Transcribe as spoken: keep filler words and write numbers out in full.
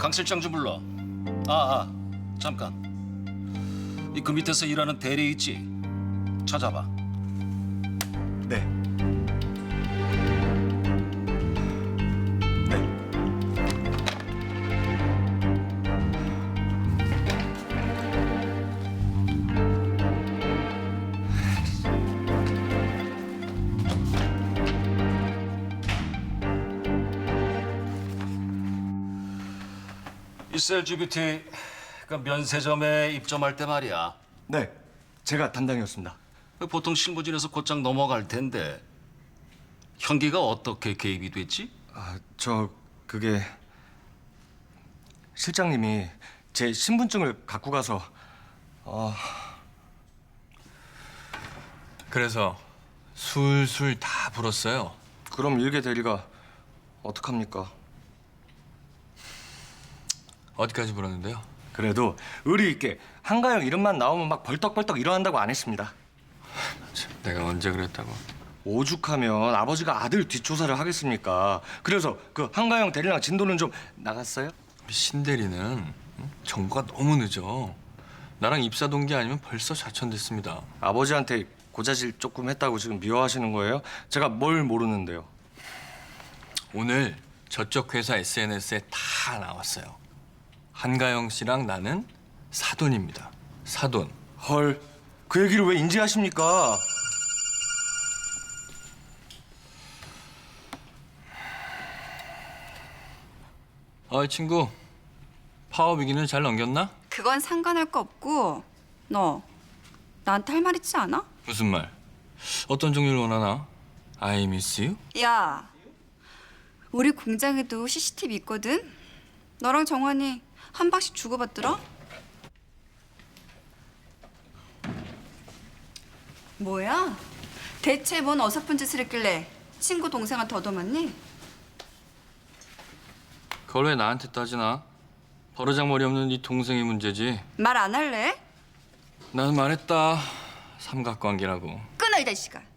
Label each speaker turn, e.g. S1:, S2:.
S1: 강 실장 좀 불러. 아, 아, 잠깐. 이 그 밑에서 일하는 대리 있지? 찾아봐.
S2: 네. 네.
S1: 이 셀지뷰티 그 면세점에 입점할 때 말이야.
S2: 네. 제가 담당이었습니다.
S1: 보통 실무진에서 곧장 넘어갈 텐데 현기가 어떻게 개입이 됐지?
S2: 아, 저 그게 실장님이 제 신분증을 갖고 가서 어,
S3: 그래서 술술 다 불었어요.
S2: 그럼 일개 대리가 어떡합니까?
S3: 어디까지 불었는데요?
S2: 그래도 의리 있게 한가영 이름만 나오면 막 벌떡벌떡 일어난다고 안 했습니다.
S3: 참, 내가 언제 그랬다고.
S2: 오죽하면 아버지가 아들 뒷조사를 하겠습니까? 그래서 그 한가영 대리랑 진도는 좀 나갔어요?
S3: 우리 신 대리는 응? 정보가 너무 늦어. 나랑 입사 동기 아니면 벌써 좌천됐습니다.
S2: 아버지한테 고자질 조금 했다고 지금 미워하시는 거예요? 제가 뭘 모르는데요?
S3: 오늘 저쪽 회사 에스엔에스에 다 나왔어요. 한가영 씨랑 나는 사돈입니다. 사돈.
S2: 헐, 그 얘기를 왜 인지하십니까?
S3: 어이 친구, 파업 위기는 잘 넘겼나?
S4: 그건 상관할 거 없고 너 나한테 할 말 있지 않아?
S3: 무슨 말? 어떤 종류를 원하나? I miss you?
S4: 야, 우리 공장에도 씨씨티비 있거든. 너랑 정환이 한 방씩 주고받더라. 뭐야? 대체 뭔 어설픈 짓을 했길래 친구 동생한테 얻어맞니?
S3: 그걸 왜 나한테 따지나? 버르장머리 없는 네 동생이 문제지.
S4: 말 안 할래?
S3: 난 말했다. 삼각관계라고.
S4: 끊어 이 자식아.